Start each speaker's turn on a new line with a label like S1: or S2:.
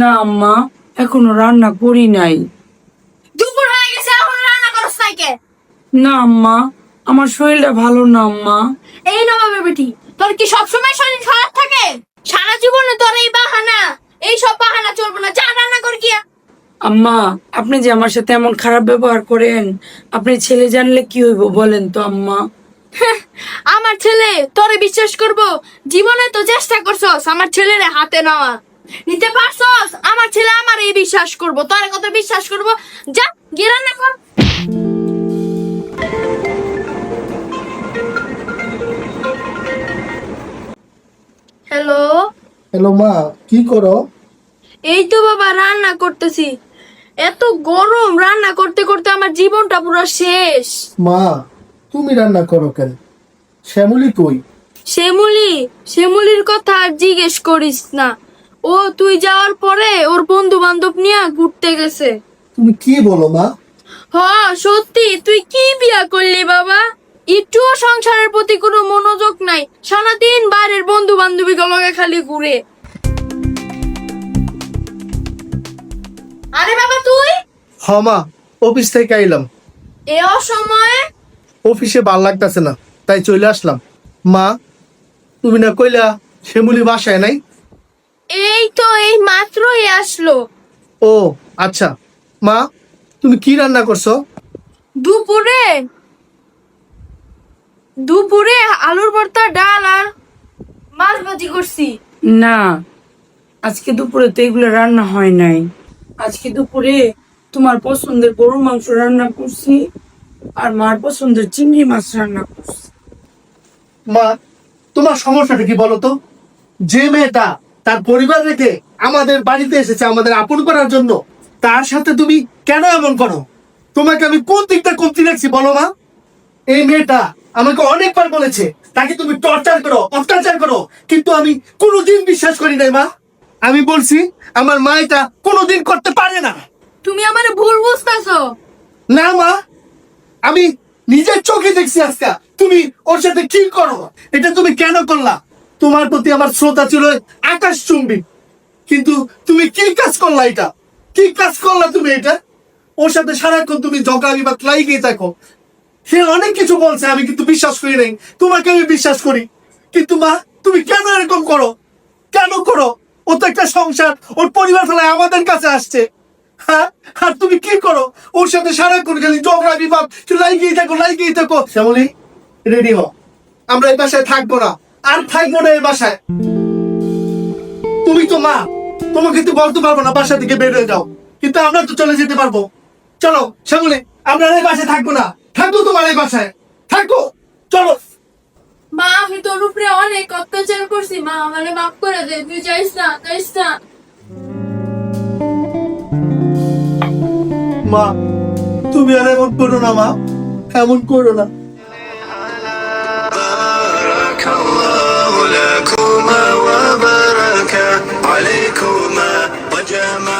S1: না আম্মা, এখনো রান্না করি নাই।
S2: দুপুর হয়ে গেছে এখন রান্না করছ নাই কে?
S1: না আম্মা, আমার শরীরটা ভালো না আম্মা।
S2: এই নবাবের বেটি, তোর কি সবসময় শরীর খারাপ থাকে? সারা জীবনে তোর এই বাহানা, এই সব বাহানা চলবে না, যা রান্না কর গিয়া।
S1: আম্মা, আপনি যে আমার সাথে এমন খারাপ ব্যবহার করেন, আপনি ছেলে জানলে কি হইব বলেন তো আম্মা।
S2: আমার ছেলে তোরে বিশ্বাস করব? জীবনে তো চেষ্টা করছস আমার ছেলেরে হাতে নেওয়া, নিতে পারছস? আমার ছেলে আমার এই বিশ্বাস করব, তোরে কত বিশ্বাস করব? যা গিয়ে রান্না কর। হ্যালো।
S3: হ্যালো মা, কি করো?
S2: এই তো বাবা রান্না করতেছি। এত গরম, রান্না করতে করতে আমার জীবনটা পুরো শেষ।
S3: মা, তুমি রান্না করো কেন? শ্যামলী কই?
S2: শ্যামলির কথা আর জিজ্ঞেস করিস না। ও তুই যাওয়ার পরে ওর বন্ধু বান্ধব নিয়ে ঘুরতে গেছে।
S3: তুমি কি বলো মা?
S2: হ, সত্যি। তুই কি বিয়া করলি বাবা? একটুও সংসারের প্রতি কোনো মনোযোগ নাই, সারাদিন বাইরের বন্ধু বান্ধবী লগে খালি ঘুরে। আরে বাবা তুই
S3: হ মা, অফিস থেকে আইলাম।
S2: এ অসময়ে?
S3: অফিসে ভাল লাগতেছে না, তাই চলে আসলাম। মা, তুমি না কইলা শ্যামলী বাসায় নাই?
S2: এই তো এই মাত্রই আসলো।
S3: ও আচ্ছা। মা, তুমি কি রান্না করছো?
S2: দুপুরে দুপুরে আলুর ভর্তা, ডাল আর মাছ ভাজি করছি।
S1: না, আজকে দুপুরে তো এগুলো রান্না হয় নাই। আজকে দুপুরে তোমার পছন্দের গরুর মাংস রান্না করছি, আর মার পছন্দের চিংড়ি মাছ রান্না করছি।
S3: মা, তোমার সমস্যাটা কি বলো তো? যে মেয়েটা তার পরিবার রেখে আমাদের বাড়িতে এসেছে আমাদের আপন করার জন্য, তার সাথে তুমি কেন এমন করো? তোমাকে আমি কোন দিকটা কমতি রাখছি বলো মা? এই মেয়েটা আমাকে অনেকবার বলেছে তাকে তুমি টর্চার করো, অত্যাচার করো, কিন্তু আমি কোনোদিন বিশ্বাস করি নাই মা। আমি বলছি আমার মা এটা কোনোদিন করতে পারে না।
S2: তুমি আমারে ভুল বুঝতেছো।
S3: না মা, আমি নিজের চোখে দেখছি আজকে তুমি ওর সাথে কি করো। এটা তুমি কেন করলা? তোমার প্রতি আমার শ্রদ্ধা ছিল আকাশ চুম্বি, কিন্তু তুমি কি কাজ করলা? এটা কি কাজ করলা তুমি? এটা ওর সাথে সারাক্ষণ তুমি ঝগড়া বিবাদ লাগিয়ে থাকো। সে অনেক কিছু বলছে, আমি কিন্তু বিশ্বাস করি নাই। তোমাকে আমি বিশ্বাস করি, কিন্তু মা তুমি কেন এরকম করো? কেন করো? ও তো একটা সংসার, ওর পরিবার ফেলায় আমাদের কাছে আসছে। হ্যাঁ, আর তুমি কি করো? ওর সাথে সারাক্ষণ খালি ঝগড়া বিবাদ লাগিয়ে থাকো, লাগিয়ে থাকো। শ্যামলী, রেডি হও, আমরা এই বাসায় থাকবো না, আর থাকবো না এই বাসায়। তুমি তো মা, তোমাকে তো বলতে পারবো না বাসা থেকে বের হয়ে যাও, কিন্তু আমরা তো চলে যেতে পারবো। চলো শ্যামলী, আমরা এই বাসায় থাকবো না, থাকবো তোমার এই বাসায়, থাকবো। চলো।
S2: মা আমি তোর উপরে অনেক অত্যাচার করছি, মা আমারে মাফ করে দে, তুই যাইস না, যাইস না।
S3: মা, তুমি আর এমন করো না মা, এমন করো না।
S4: بارك الله لكما وبارك عليكما وجمع